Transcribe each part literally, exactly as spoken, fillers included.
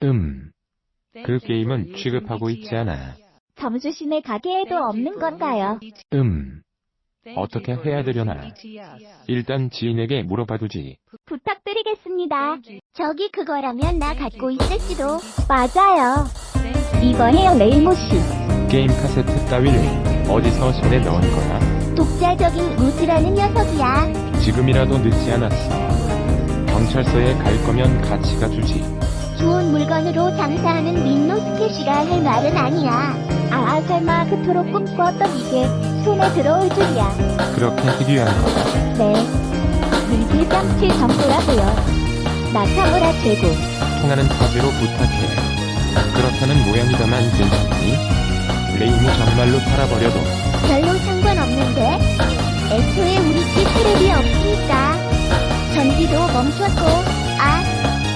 음. 그 게임은 취급하고 있지 않아. 점주시네 가게에도 없는 건가요? 음. 어떻게 해야 되려나? 일단 지인에게 물어봐두지. 부탁드리겠습니다. 저기 그거라면 나 갖고 있을지도. 맞아요. 이거예요, 레이모씨. 게임 카세트 따위를 어디서 손에 넣은 거야? 독자적인 루즈라는 녀석이야. 지금이라도 늦지 않았어. 경찰서에 갈 거면 같이 가주지. 좋은 물건으로 장사하는 민노스케 씨가 할 말은 아니야. 아, 설마 그토록 꿈꿔왔던 이게 손에 들어올 줄이야. 그렇게 희귀한 거야? 네. 물질 뺨칠 정도라고요. 나카무라 최고. 통하는 화제로 부탁해. 그렇다는 모양이다만 괜찮니? 레이모 정말로 팔아버려도 별로 상관없는데? 애초에 우리 집 테레비 없으니까. 전기도 멈췄고, 아.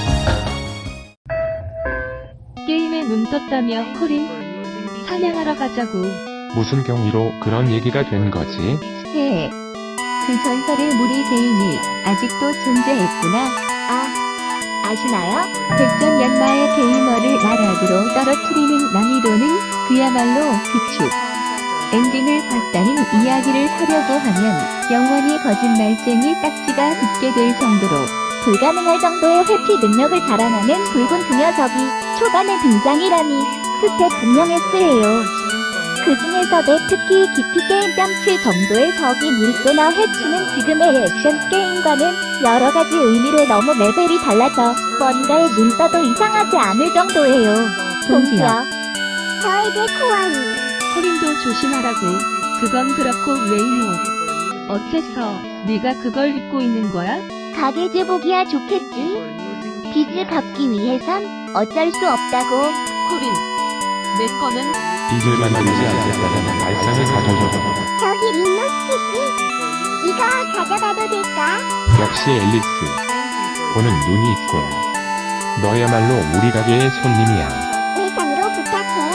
게임에 눈 떴다며 코린? 사냥하러 가자고. 무슨 경위로 그런 얘기가 된 거지? 해. 그 전설의 무리 게임이 아직도 존재했구나. 아, 아시나요? 백전연마의 게이머를 나락으로 떨어뜨리는 난이도는 그야말로 비축. 엔딩을 봤다는 이야기를 하려고 하면 영원히 거짓말쟁이 딱지가 붙게 될 정도로 불가능할 정도의 회피 능력을 자랑하는 붉은 그 녀석이 초반에 등장이라니 스펙 분명했을 해요. 그 중에서도 특히 깊이 게임 뺨칠 정도의 적이 밀거나 해치는 지금의 액션 게임과는 여러 가지 의미로 너무 레벨이 달라져 뭔가에 눈 떠도 이상하지 않을 정도예요. 동지요. 저에게 코아이. 코린도 조심하라고. 그건 그렇고 레이모. 어째서 네가 그걸 입고 있는 거야? 가게 제복이야 좋겠지? 빚을 갚기 위해선 어쩔 수 없다고. 코린, 내 거는 빚을 만들지 않겠다는 발상을 가져줘. 저기 린노스케씨, 이거 가져가도 될까? 역시 앨리스. 보는 눈이 있군. 너야말로 우리 가게의 손님이야. 외상으로 부탁해.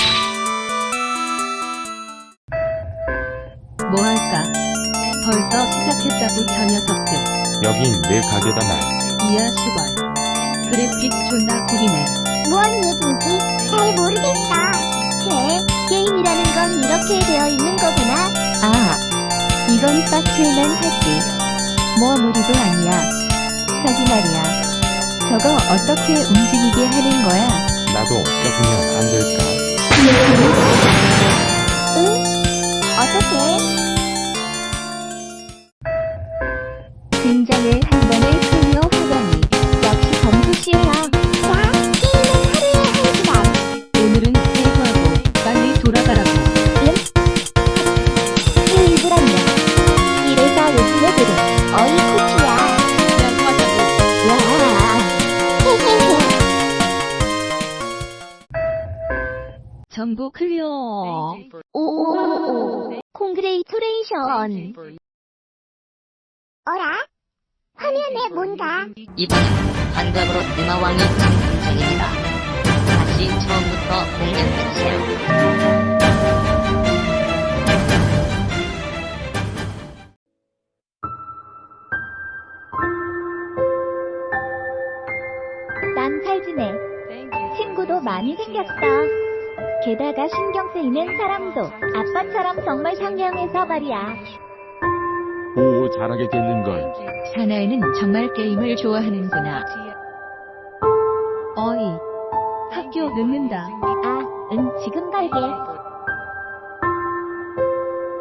뭐 할까? 벌써 시작했다고 저 녀석들. 여긴 내 가게다 말. 이야 시발. 그래픽 존나 구리네. 뭔 얘긴지 잘 모르겠다. 제 게임이라는 건 이렇게 되어 있는 거구나. 아, 이건 빡칠만 하지. 뭐 무리도 아니야. 저기 말이야. 저거 어떻게 움직이게 하는 거야? 나도 껴주면 안 될까? 응? 어떻게? 등장을 한 번에 클리어 하다니. 역시 점수시야. 자, 게임은 하루에 한 시간. 오늘은 세이브하고 빨리 돌아가라고. 응? 일부란다. 이래서 요즘 애들은 어이 코치야. 양호하자고. 와. 헤헤헤. 전부 클리어. 오오오오. 콩그레이토레이션. 어라? 화면에 뭔가? 이번엔 환갑으로 누나왕이 장동생입니다. 다시 처음부터 공략해주세요. 난 잘 지내. 친구도 많이 생겼어. 게다가 신경 쓰이는 사람도 아빠처럼 정말 상냥해서 말이야. 오, 잘하게 됐는걸. 사나이는 정말 게임을 좋아하는구나. 어이. 학교 늦는다. 아, 응, 지금 갈게.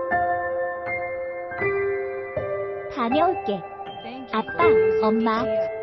다녀올게. 아빠, 엄마.